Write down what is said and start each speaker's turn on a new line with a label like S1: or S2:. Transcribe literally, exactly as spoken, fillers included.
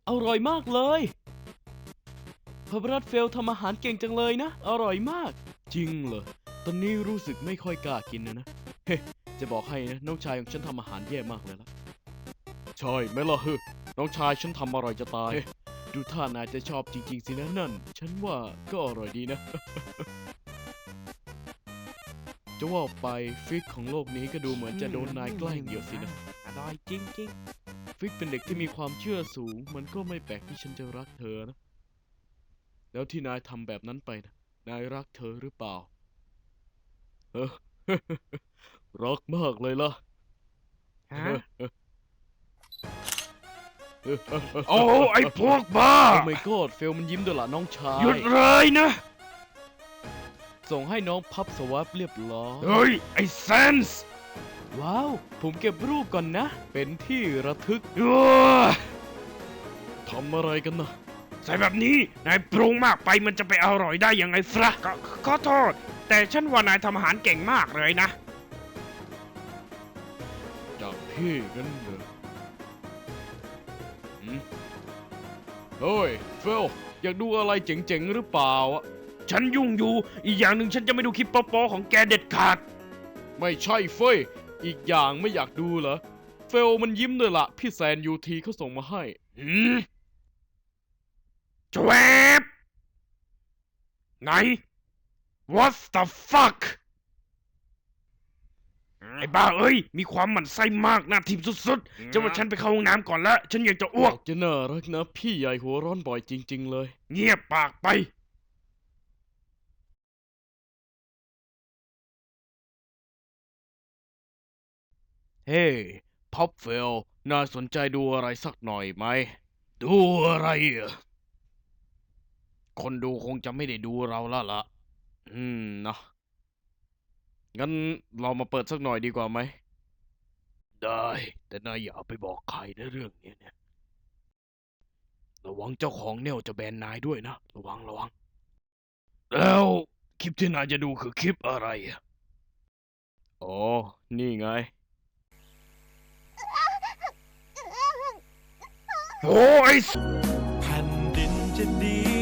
S1: อร่อยมากเลยพระบรัตเฟลทำอาหารเก่งจังเลยนะอร่อยมากจริงเหรอตอนนี้รู้สึกไม่ค่อยกล้ากินนะนะเฮ้จะบอกให้นะน้องชายของฉันทำอาหารแย่มากเลยละใช่ไหมล่ะเฮ้น้องชายฉันทำอร่อยจะตายดูท่านายจะชอบจริงๆสินะนั่นฉันว่าก็อร่อยดีนะ จะว่าไปฟิกของโลกนี้ก็ดูเหมือนจะโดนนายแกล้งเยอะสินะอร่อยจริงๆฟิกเป็นเด็กที่มีความเชื่อสูงมันก็ไม่แปลกที่ฉันจะรักเธอนะแล้วที่นายทำแบบนั้นไปนะนายรักเธอหรือเปล่าเออ รักมากเลยล่ะฮะ
S2: โอ้ไอ้พวกบ้า
S1: โอ้ my god เฟลมันยิ้มด้วยล่ะน้องชาย
S2: หยุดเลยนะ
S1: ส่งให้น้องพับสวาปเรียบร้อย
S2: เฮ้ยไอ้เซนส์
S1: ว้าวผมเก็บรูปก่อนนะเป็นที่ระทึก
S2: เออ
S1: ทำอะไรกันนะ
S2: ใส่แบบนี้นายปรุงมากไปมันจะไปอร่อยได้ยังไงฟะก็ขอโทษ แต่ฉันว่านายทำอาหารเก่งมากเลยนะ
S1: จากพี่กันเหรอหืมเฮ้ยเฟลอยากดูอะไรเจ๋งๆหรือเปล่าอะ
S2: ฉันยุ่งอยู่อีกอย่างหนึ่งฉันจะไม่ดูคลิปโป๊ะๆของแกเด็ดขาด
S1: ไม่ใช่เฟ้ยอีกอย่างไม่อยากดูเหรอเฟลมันยิ้มด้วยละพี่แซนยูทีเขาส่งมาให้
S2: หืมจวบไหน what the fuck ไอ้บ้าเอ้ยมีความหมั่นไส้มากหน้าทิมสุดๆจะว่าฉันไปเข้าห้องน้ำก่อนละฉันอยากจะอ้วก
S1: จะน่ารักนะพี่ใหญ่หัวร้อนบ่อยจริงๆเลย
S2: เงียบปากไป
S1: เฮ้พ็อปเฟลน่าสนใจดูอะไรสักหน่อยไหม
S2: ดูอะไรอ่ะ
S1: คนดูคงจะไม่ได้ดูเราแล้วล่ะ อืมนะงั้นเรามาเปิดสักหน่อยดีกว่าไหม ได้ แต่นายอย่าไปบอกใครนะเรื่องนี้เนี่ย ระวังเจ้าของเนี่ยจะแบนนายด้วยนะ ระวังระวัง
S2: แล้วคลิปที่นายจะดูคือคลิปอะไรอ่ะ
S1: อ๋อ นี่ไง
S2: โอ้ย
S3: แผ่นดินจะดี